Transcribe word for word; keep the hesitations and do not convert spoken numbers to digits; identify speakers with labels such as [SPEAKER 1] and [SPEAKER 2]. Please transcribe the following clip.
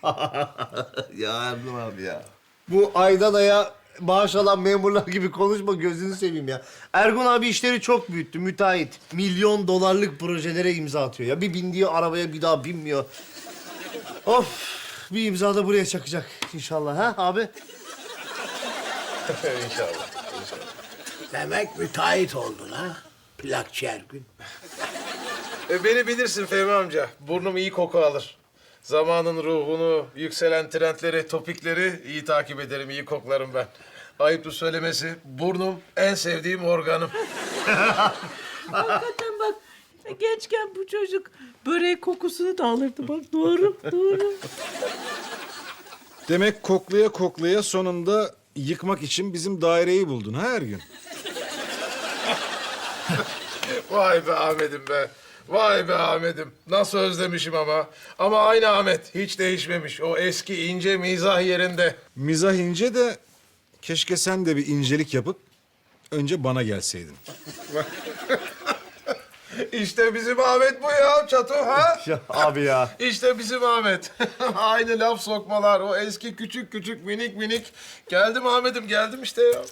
[SPEAKER 1] Ya Ergun abi ya.
[SPEAKER 2] Bu aydan aya maaş alan memurlar gibi konuşma, gözünü seveyim ya. Ergun abi işleri çok büyüttü, müteahhit. Milyon dolarlık projelere imza atıyor ya. Bir bindiği arabaya bir daha binmiyor. Of, bir imza da buraya çakacak inşallah, ha abi?
[SPEAKER 1] İnşallah.
[SPEAKER 3] Demek müteahhit oldun ha? Plakçı Ergün.
[SPEAKER 4] E, beni bilirsin Fehmi amca. Burnum iyi koku alır. Zamanın ruhunu, yükselen trendleri, topikleri iyi takip ederim, iyi koklarım ben. Ayıptır söylemesi, burnum en sevdiğim organım.
[SPEAKER 5] Hakikaten bak, gençken bu çocuk börek kokusunu da alırdı. Bak doğru, doğru.
[SPEAKER 6] Demek koklaya koklaya sonunda yıkmak için bizim daireyi buldun ha Ergün?
[SPEAKER 4] Vay be Ahmet'im be. Vay be Ahmet'im. Nasıl özlemişim ama. Ama aynı Ahmet. Hiç değişmemiş. O eski ince mizah yerinde.
[SPEAKER 6] Mizah ince de keşke sen de bir incelik yapıp önce bana gelseydin.
[SPEAKER 4] İşte bizim Ahmet bu ya Çato ha?
[SPEAKER 2] Ya abi ya.
[SPEAKER 4] İşte bizim Ahmet. Aynı laf sokmalar. O eski küçük küçük minik minik. Geldim Ahmet'im geldim işte ya.